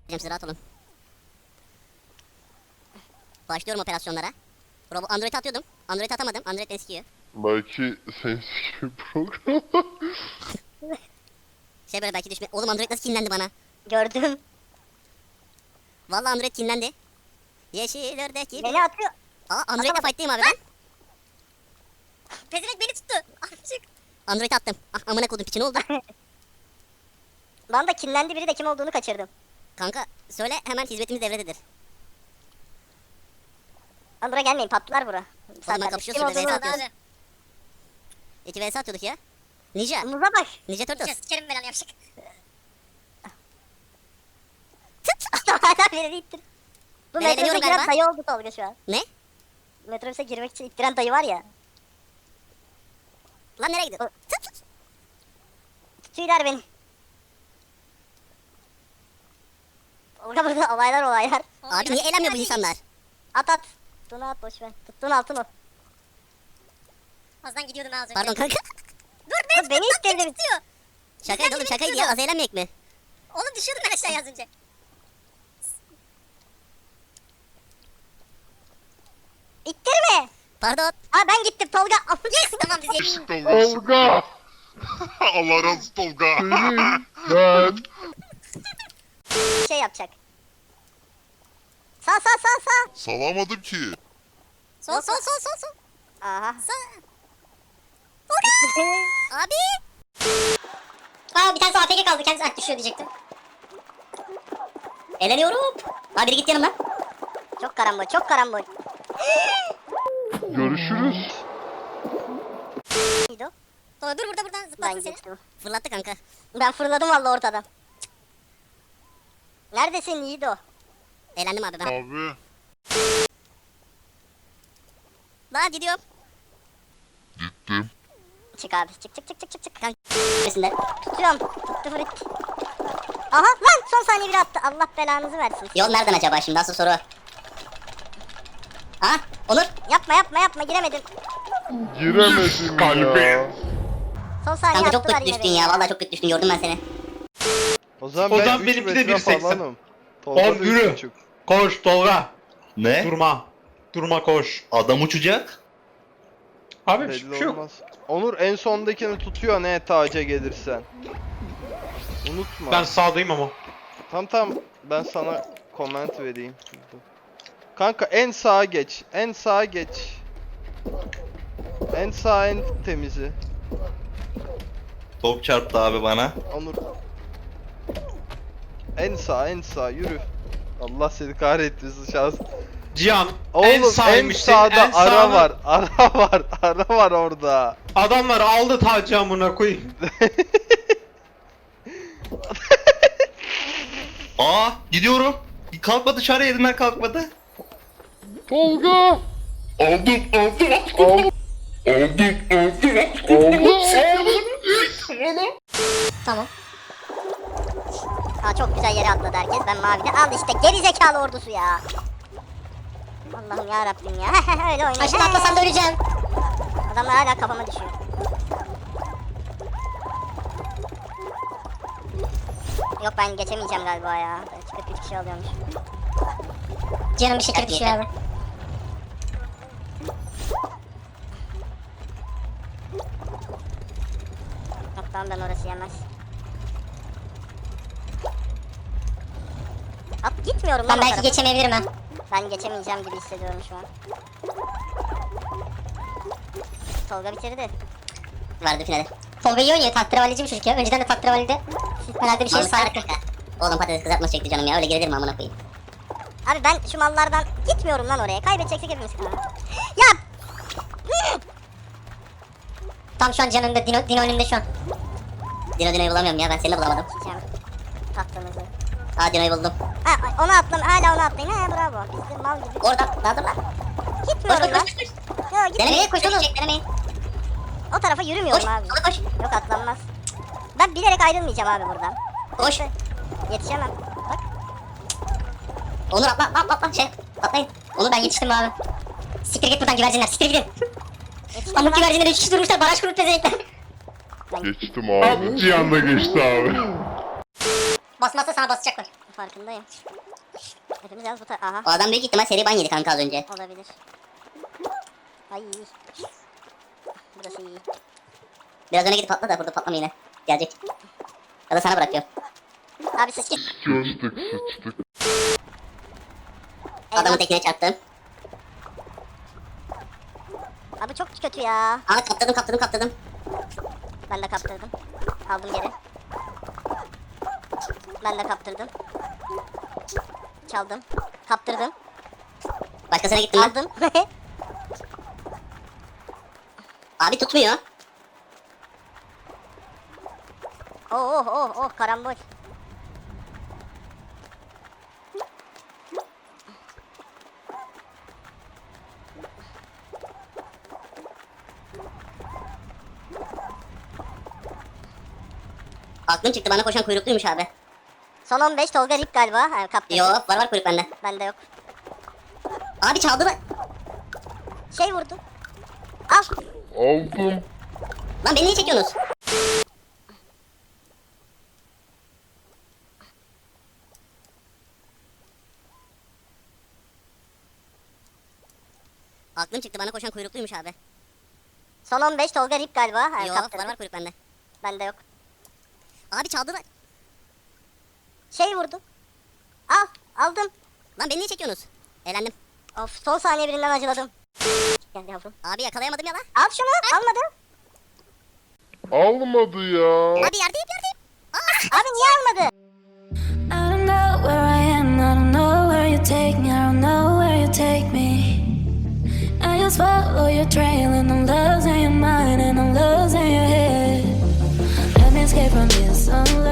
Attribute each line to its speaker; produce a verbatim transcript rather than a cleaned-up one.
Speaker 1: Siz rahat olun. Başlıyorum operasyonlara. Robo Android atıyordum. Android atamadım. Android beni sikiyor.
Speaker 2: Belki senin gibi program.
Speaker 1: Şey böyle belki düşme. Oğlum Android nasıl kinlendi bana?
Speaker 3: Gördüm.
Speaker 1: Vallahi Android kinlendi. Yeşil ördek gibi.
Speaker 3: Beni atıyor.
Speaker 1: Aa Android'le fight'tayım abi ben.
Speaker 3: Pezevenk beni tuttu. Amcık.
Speaker 1: Android attım. Ah amına kodum piçin oldu.
Speaker 3: Bana da kinlendi biri de kim olduğunu kaçırdım.
Speaker 1: Kanka söyle hemen hizmetimiz devrededir.
Speaker 3: Lan buraya gelmeyin patlar bura.
Speaker 1: ben kapışıyorsun
Speaker 3: Kim
Speaker 1: be,
Speaker 3: olduğunu
Speaker 1: V S atıyorsun.
Speaker 3: abi.
Speaker 1: İki vs atıyorduk ya. Ninja.
Speaker 3: Muza bak.
Speaker 1: Ninja Turtles.
Speaker 3: Sikerim belanı yapışık. Hala beni ittir. Bu
Speaker 1: Ben
Speaker 3: metrobüse
Speaker 1: eğleniyorum
Speaker 3: giren
Speaker 1: galiba.
Speaker 3: dayı oldu Tolga şu an.
Speaker 1: Ne?
Speaker 3: Metrobüse girmek için ittiren dayı var ya.
Speaker 1: Lan nereye gidiyorsun?
Speaker 3: Tutuyorlar beni. Tolga burada olaylar olaylar.
Speaker 1: Abi niye eğlenmiyor bu insanlar?
Speaker 3: At at. Tuttuğunu at boşver. Tuttuğun altın o.
Speaker 4: Azdan gidiyordum ben az önce.
Speaker 1: Pardon kanka.
Speaker 3: Dur be. Beni ittirdin.
Speaker 4: Tutuyor.
Speaker 1: Şakaydı oğlum şakaydı ya. Az eğlenmeyek mi?
Speaker 4: Oğlum düşüyordum ben aşağıya az önce.
Speaker 3: İttirme.
Speaker 1: Pardon.
Speaker 3: Aa ben gittim Tolga.
Speaker 4: Yes tamam biz yedik.
Speaker 2: Işık Tolga. Allah razı olsun Tolga. Senin, ben.
Speaker 3: Şey yapacak. Sağ sağ sağ sağ.
Speaker 2: Salamadım ki.
Speaker 4: Sol sol sol sol sol.
Speaker 3: Aha.
Speaker 4: Sol.
Speaker 1: Abi.
Speaker 4: Aa bir tanesi A F K kaldı kendisi ah, düşüyor diyecektim.
Speaker 1: Eğleniyorum. Abi biri git yanımdan.
Speaker 3: Çok karambol çok karambol.
Speaker 2: Görüşürüz.
Speaker 3: Neydi o?
Speaker 4: Sonra dur burada buradan
Speaker 3: Ben
Speaker 4: zıplatsın seni.
Speaker 3: geçtim.
Speaker 1: Fırlattı kanka.
Speaker 3: Ben fırladım valla ortadan. Neredesin Yiğido?
Speaker 1: Eğlendim abi ben.
Speaker 2: Abi.
Speaker 1: Lan gidiyorum.
Speaker 2: Gittim.
Speaker 3: Çık abi çık çık çık çık çık çık.
Speaker 1: Kanka. Neresinde?
Speaker 3: Tutuyorum. Tuttu frit. Aha lan son saniye biri attı. Allah belanızı versin.
Speaker 1: Yol nereden acaba şimdi? Asıl soru. Ha? Onur.
Speaker 3: Yapma yapma yapma giremedim.
Speaker 2: Giremedim ya.
Speaker 3: Son saniye
Speaker 1: Kanka çok
Speaker 3: attılar
Speaker 1: kötü
Speaker 3: yine
Speaker 1: düştün
Speaker 3: beni.
Speaker 1: ya. Vallahi çok kötü düştün. Gördüm ben seni.
Speaker 5: O zaman
Speaker 6: O
Speaker 5: ben
Speaker 6: zaman
Speaker 5: üç
Speaker 6: benimki de
Speaker 5: metre
Speaker 6: bir seksen.
Speaker 5: falanım. Tolga
Speaker 6: Oğlum
Speaker 5: da üç
Speaker 6: yürü.
Speaker 5: buçuk.
Speaker 6: Koş Tolga.
Speaker 7: Ne?
Speaker 6: Durma. Durma koş.
Speaker 7: Adam uçacak.
Speaker 6: Abi bir
Speaker 5: Belli
Speaker 6: şey yok.
Speaker 5: olmaz. Onur en sondakini tutuyor ne taca gelirsen. Unutma.
Speaker 6: Ben sağdayım ama.
Speaker 5: Tam tam ben sana comment vereyim. Kanka en sağa geç. En sağa geç. En sağ en temizi.
Speaker 7: Top çarptı abi bana.
Speaker 5: Onur. En sağ en sağ yürü. Allah seni kahretmesin şans.
Speaker 6: Cihan
Speaker 5: Oğlum
Speaker 6: en
Speaker 5: en,
Speaker 6: sağymışsın.
Speaker 5: sağda
Speaker 6: en
Speaker 5: ara
Speaker 6: sağına-
Speaker 5: var. Ara var. Ara var orada.
Speaker 6: Adamlar aldı tacı amına koyayım.
Speaker 7: Aa gidiyorum. Kalkmadı dışarı yerinden kalkmadı.
Speaker 2: Tolga. Aldım aldım aldım. Aldım aldım aldım.
Speaker 4: Tamam.
Speaker 3: Aa çok güzel yere atladı herkes. Ben mavide. Al işte geri zekalı ordusu ya. Allah'ım ya Rabbim ya. Öyle oynuyor.
Speaker 4: Aşağı atlasam da öleceğim.
Speaker 3: Adamlar hala kafama düşüyor. Yok ben geçemeyeceğim galiba ya. kırk üç kişi alıyormuş.
Speaker 4: Canım bir şekilde düşüyor abi.
Speaker 3: Yok tamam ben orası yemez. At gitmiyorum lan
Speaker 4: Ben
Speaker 3: o
Speaker 4: belki
Speaker 3: tarafa.
Speaker 4: geçemeyebilirim ha.
Speaker 3: Ben geçemeyeceğim gibi hissediyorum şu an. Tolga bitirdi.
Speaker 1: Vardı finale.
Speaker 4: Tolga iyi oynuyor. Tahterevallici bir çocuk ya. Önceden de tahterevalide herhalde bir şey
Speaker 1: Şey
Speaker 4: sardı.
Speaker 1: kanka. Oğlum patates kızartması çekti canım ya. Öyle gelir mi amına koyayım?
Speaker 3: Abi ben şu mallardan gitmiyorum lan oraya. Kaybedeceksek hepimiz. Ya!
Speaker 4: Tam şu an Cihan önünde. Dino, Dino önünde şu an.
Speaker 1: Dino Dino'yu bulamıyorum ya. Ben seni de bulamadım.
Speaker 3: Çiçeğim. Tahtanızı.
Speaker 1: Aa Dino'yu buldum.
Speaker 3: Ha, onu atlam, hala onu atlayın. Ha bravo. Biz de mal gibi.
Speaker 1: Orada. Daha dur lan. Koş
Speaker 3: Gitmiyorum
Speaker 1: koş
Speaker 3: lan.
Speaker 1: koş koş.
Speaker 3: Yo, git.
Speaker 1: Denemeyin.
Speaker 4: koş
Speaker 1: Koş
Speaker 4: oğlum.
Speaker 1: koş. Denemeyin.
Speaker 3: O tarafa yürümüyorum
Speaker 1: Koş.
Speaker 3: abi.
Speaker 1: Koş koş.
Speaker 3: Yok atlanmaz. Ben bilerek ayrılmayacağım abi buradan.
Speaker 1: Koş.
Speaker 3: Yetişemem. Bak.
Speaker 1: Onur atla atla atla. Şey atlayın.
Speaker 4: Onu ben yetiştim abi. Siktir git buradan güvercinler. Siktir gidin.
Speaker 3: Yetiştim
Speaker 4: Pamuk
Speaker 3: lan.
Speaker 4: güvercinler üç kişi durmuşlar. Baraj kurup pezevenkler.
Speaker 2: Geçtim abi. Cihan da geçti abi.
Speaker 4: Basmazsa sana basacaklar.
Speaker 3: Farkındayım. Hepimiz yalnız bu ta... Aha.
Speaker 1: O adam büyük ihtimal seri ban yedi kanka az önce.
Speaker 3: Olabilir. Ay. Burası iyi.
Speaker 1: Biraz öne gidip patla da burada patlama yine. Gelecek. Ya da sana bırakıyorum.
Speaker 3: Abi siz çık.
Speaker 2: Sıçtık sıçtık.
Speaker 1: Adamın tekine çarptım.
Speaker 3: Abi çok kötü ya.
Speaker 1: Aa kaptırdım kaptırdım kaptırdım.
Speaker 3: Ben de kaptırdım. Aldım geri. Ben de kaptırdım. Çaldım. Kaptırdım.
Speaker 1: Başkasına gittim ben.
Speaker 3: Aldım.
Speaker 1: Abi tutmuyor.
Speaker 3: oh oh oh oh karambol.
Speaker 1: Aklım çıktı bana koşan kuyrukluymuş abi.
Speaker 3: Son on beş Tolga Rip galiba. Ha, kaptırdım.
Speaker 1: Yo var var kuyruk bende.
Speaker 3: Bende yok.
Speaker 1: Abi çaldı mı?
Speaker 3: Şey vurdu. Al.
Speaker 2: Aldım.
Speaker 1: Lan beni niye çekiyorsunuz? Aklım çıktı bana koşan kuyrukluymuş abi.
Speaker 3: Son on beş Tolga Rip galiba. Ha,
Speaker 1: Yo
Speaker 3: kaptırdım.
Speaker 1: var var kuyruk bende.
Speaker 3: Bende yok.
Speaker 1: Abi çaldı mı?
Speaker 3: Şey vurdu. Al. Aldım.
Speaker 1: Lan beni niye çekiyorsunuz? Eğlendim.
Speaker 3: Of son saniye birinden acıladım. Gel yavrum.
Speaker 1: Abi yakalayamadım ya lan.
Speaker 3: Al şunu. Almadı.
Speaker 2: Almadı ya.
Speaker 1: Abi yerdeyim yerdeyim.
Speaker 3: Abi niye almadı?
Speaker 8: I don't know where I am, I don't know where you take me, I don't know where you take me. I just follow your trail and I'm losing your mind and I'm losing your head. Let me escape from this sunlight.